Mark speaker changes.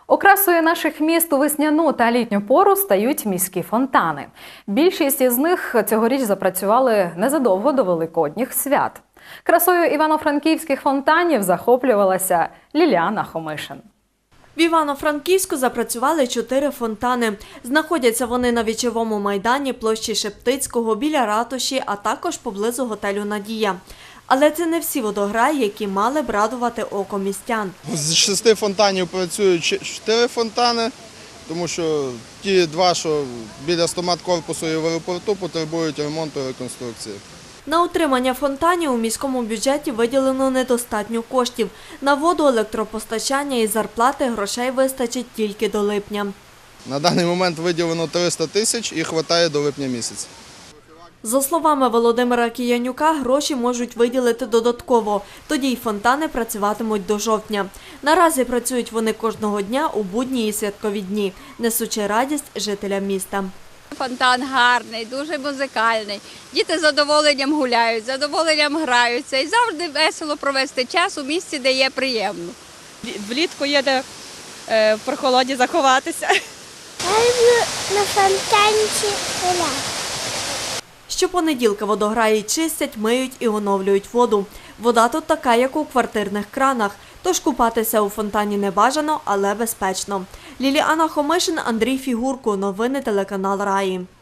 Speaker 1: Окрасою наших міст у весняну та літню пору стають міські фонтани. Більшість із них цьогоріч запрацювали незадовго до великодніх свят. Красою івано-франківських фонтанів захоплювалася Ліліана Хомишин.
Speaker 2: В Івано-Франківську запрацювали 4 фонтани. Знаходяться вони на Вічовому майдані, площі Шептицького, біля ратуші, а також поблизу готелю «Надія». Але це не всі водограї, які мали б радувати око містян.
Speaker 3: З 6 фонтанів працюють 4 фонтани, тому що ті 2, що біля стомат-корпусу і в аеропорту, потребують ремонту і реконструкції.
Speaker 2: На утримання фонтанів у міському бюджеті виділено недостатньо коштів. На воду, електропостачання і зарплати грошей вистачить тільки до липня.
Speaker 3: На даний момент виділено 300 тисяч і вистачає до липня місяця.
Speaker 2: За словами Володимира Киянюка, гроші можуть виділити додатково. Тоді й фонтани працюватимуть до жовтня. Наразі працюють вони кожного дня у будні і святкові дні, несучи радість жителям міста.
Speaker 4: Фонтан гарний, дуже музикальний. Діти з задоволенням гуляють, з задоволенням граються. І завжди весело провести час у місці, де є приємно.
Speaker 5: Влітку є де в прохолоді заховатися.
Speaker 6: Я люблю на фонтанці гуляти.
Speaker 2: Щопонеділка водограї чистять, миють і оновлюють воду. Вода тут така, як у квартирних кранах, тож купатися у фонтані не бажано, але безпечно. Ліліана Хомишин, Андрій Фігурко. Новини телеканал Раї.